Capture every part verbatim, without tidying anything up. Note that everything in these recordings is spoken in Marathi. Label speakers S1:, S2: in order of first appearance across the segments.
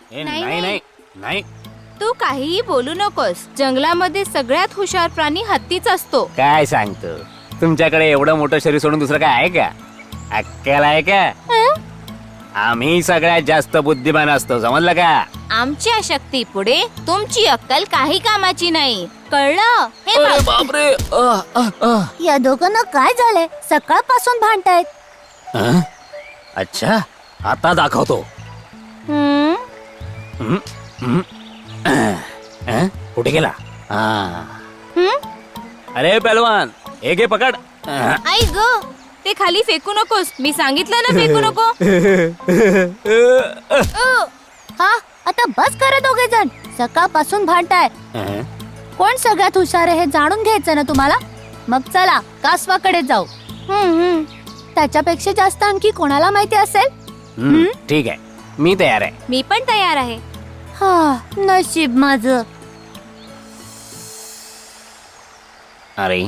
S1: ए,
S2: नाही,
S1: नाही
S2: नाही.
S1: नाही नाही
S2: तू काहीही बोलू नकोस. जंगलामध्ये सगळ्यात हुशार प्राणी हत्तीच असतो.
S1: काय सांगतो तुमच्याकडे एवढं मोठं शरीर सोडून दुसरं काय आहे का? अक्कल आहे का?
S2: हं?
S1: आम्ही सगळ्यात जास्त बुद्धिमान असतो, समजलं का?
S2: आमच्या शक्ती पुढे तुमची अक्कल काही कामाची नाही. कळलं? हे
S1: अरे
S2: बघ.
S1: बापरे अ, अ, अ.
S3: या दोघांना काय झालंय? सकाळपासून भांडतायत.
S1: अं? अच्छा आता दाखवतो.
S2: हं?
S1: हं? हं? अं? कुठे गेला? हा.
S2: हं?
S1: अरे पहलवान हे घे पकड. अं.
S2: आई ग, ते खाली फेकू नकोस. मी सांगितलं ना फेकू नको.
S3: अ, हा आता बस करा दोघे जण. सकाळपासून भांडताय.
S1: अं?
S3: कोण सगळ्यात हुशार आहे हे जाणून घ्यायचं ना तुम्हाला? मग चला कासवाकडे जाऊ.
S2: हं, हं.
S3: त्याच्यापेक्षा जास्त आणखी कोणाला माहिती असेल?
S1: हं, ठीक आहे मी तयार आहे.
S2: मी पण तयार आहे.
S3: हा नशीब माझं.
S1: अरे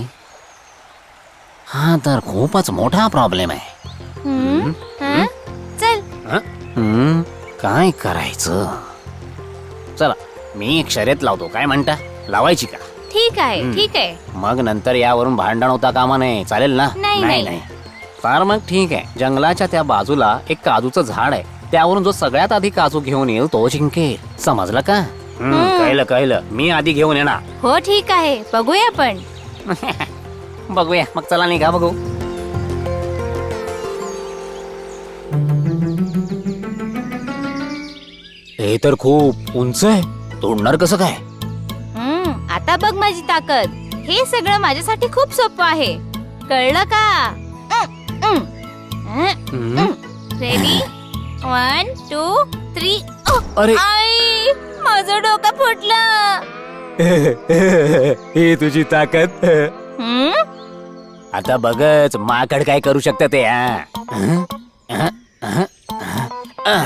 S1: हा तर खूपच मोठा प्रॉब्लेम आहे.
S2: हं? हं? चल.
S1: हं? हं, काय करायचं? चला मी एक शर्यत लावतो, काय म्हणता? लावायची का?
S2: ठीक आहे,
S1: हं.
S2: ठीक आहे.
S1: मग नंतर यावरून भांडण होता कामा नये, चालेल ना?
S2: नाही, नाही.
S1: फार मग ठीक आहे. जंगलाच्या त्या बाजूला एक काजूचं झाड आहे, त्यावरून जो सगळ्यात आधी काजू घेऊन येईल तो जिंकेल, समजलं का? हं,
S2: हं.
S1: कळलं कळलं. मी आधी घेऊन येणार.
S2: हो ठीक आहे, बघूया पण.
S1: बघूया मग, चला निघा बघू. हे तर खूप उंच आहे, तोडणार कसं काय?
S2: हं, आता बघ माझी ताकद. हे सगळं माझ्यासाठी खूप सोपं आहे. कळलं का?
S1: हं?
S2: रेडी? One two three.
S1: अरे
S2: आई, माझं डोकं फुटलं.
S1: ही तुझी ताकद.
S2: हं?
S1: आता बघच माकड काय करू शकतं ते. हा? हं? हं? हं? हं?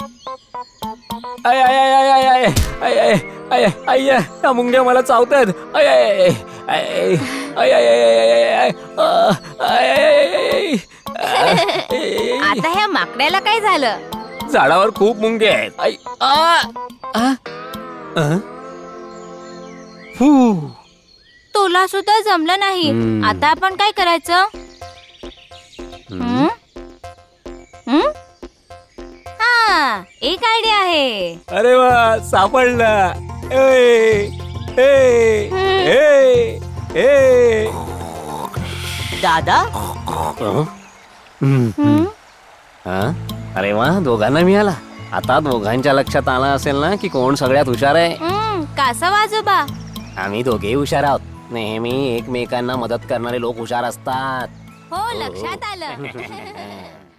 S1: आय आय आय आय आय आय आय आय आय आय या मुंग्या मला चावतात. आय आय आय आय आय आय आय आय आय आय आय.
S2: आता ह्या माकड्याला काय झालं?
S1: झाडावर खूप मुंगे आहेत. आई, आ, आ, अ? फू.
S2: तुला सुद्धा जमलं नाही.
S1: हं.
S2: आता आपण काय करायचं? हं? हं? हा, एक आयडिया आहे.
S1: अरे वा सापडला. ए, ए, ए, ए.
S4: दादा
S1: अं? हं,
S2: हं?
S1: हं? अरे वा दोघांना मिळाला. आता दोघांच्या लक्षात आलं असेल ना की कोण सगळ्यात हुशार आहे.
S2: हं, कासव आजोबा.
S1: आम्ही दोघेही हुशार आहोत. नेहमी एकमेकांना मदत करणारे लोक हुशार असतात.
S2: हो, लक्षात आलं.